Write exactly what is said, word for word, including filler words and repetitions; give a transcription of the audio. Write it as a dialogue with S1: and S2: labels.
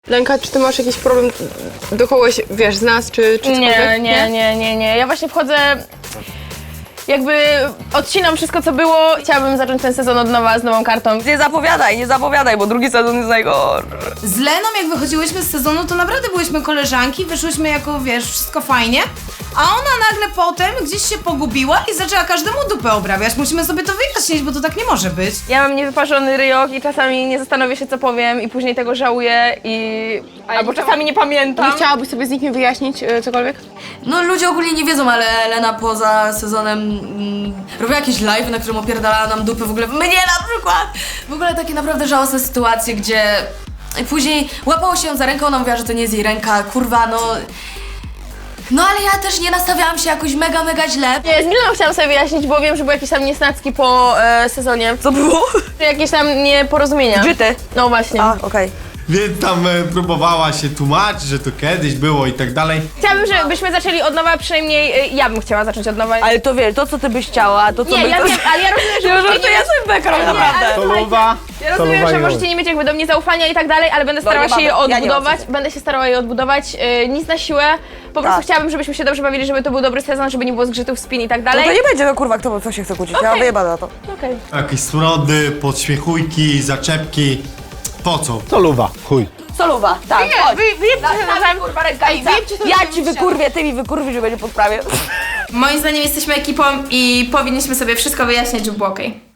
S1: Lenka, czy ty masz jakiś problem do kogoś, wiesz, z nas, czy, czy
S2: Nie,
S1: cokolwiek?
S2: nie, nie, nie, nie. Ja właśnie wchodzę, jakby odcinam wszystko, co było. Chciałabym zacząć ten sezon od nowa, z nową kartą.
S3: Nie zapowiadaj, nie zapowiadaj, bo drugi sezon jest najgorszy.
S4: Z Leną, jak wychodziłyśmy z sezonu, to naprawdę byłyśmy koleżanki, wyszłyśmy jako, wiesz, wszystko fajnie, a ona nagle potem gdzieś się pogubiła i zaczęła każdemu dupę obrabiać. Musimy sobie to wyjaśnić, bo to tak nie może być.
S2: Ja mam niewyparzony ryjok i czasami nie zastanowię się, co powiem i później tego żałuję i... albo czasami nie pamiętam.
S1: Nie chciałabyś sobie z nikim wyjaśnić y, cokolwiek?
S5: No ludzie ogólnie nie wiedzą, ale Elena poza sezonem mm, robiła jakieś live, na którym opierdalała nam dupy w ogóle. Mnie na przykład! W ogóle takie naprawdę żałosne sytuacje, gdzie później łapało się ją za rękę, ona mówiła, że to nie jest jej ręka, kurwa, no... No ale ja też nie nastawiałam się jakoś mega, mega źle.
S2: Nie, z Milaną chciałam sobie wyjaśnić, bo wiem, że były jakieś tam niesnacki po e, sezonie.
S3: Co było?
S2: Jakieś tam nieporozumienia.
S3: Żyty.
S2: No właśnie.
S3: A, okej. Okay.
S6: Więc tam e, próbowała się tłumaczyć, że to kiedyś było i tak dalej.
S2: Chciałabym, żebyśmy zaczęli od nowa, przynajmniej e, ja bym chciała zacząć od nowa.
S3: Ale to wiesz, to co ty byś chciała, to co
S2: Nie,
S3: by...
S2: ja
S3: to...
S2: wiem, ale ja rozumiem, że
S3: Ja
S2: możecie
S3: żartuję,
S2: nie
S3: ja
S2: mieć...
S3: sobie background,
S2: Nie,
S3: naprawdę.
S2: ale słuchajcie,
S7: Soluwa.
S2: ja rozumiem,
S7: Soluwa
S2: że
S7: i
S2: możecie nie mieć jakby do mnie zaufania i tak dalej, ale będę starała
S3: No,
S2: się je
S3: ja nie mam
S2: odbudować,
S3: co.
S2: będę się starała je odbudować, e, nic na siłę. Po prostu
S3: Tak.
S2: chciałabym, żebyśmy się dobrze bawili, żeby to był dobry sezon, żeby nie było zgrzytów, spin i tak
S3: No
S2: dalej.
S3: to nie będzie, no kurwa, kto co się chce kłócić, ja
S2: Okej.
S3: wyjebana na to.
S2: Okej.
S6: Jakieś smrody, podśmiechujki, zaczepki. Po co?
S7: Soluwa, chuj.
S3: Soluwa, tak,
S2: Nie,
S3: chodź.
S2: wy, wyjebcie się nawzajem,
S3: Kurwa, rękawica.
S2: wyjebcie sobie
S3: Ja
S2: sobie
S3: ci
S2: ścianę.
S3: wykurwię, ty mi wykurwisz, że będzie po sprawie.
S4: Moim zdaniem jesteśmy ekipą i powinniśmy sobie wszystko wyjaśnić, żeby było okej.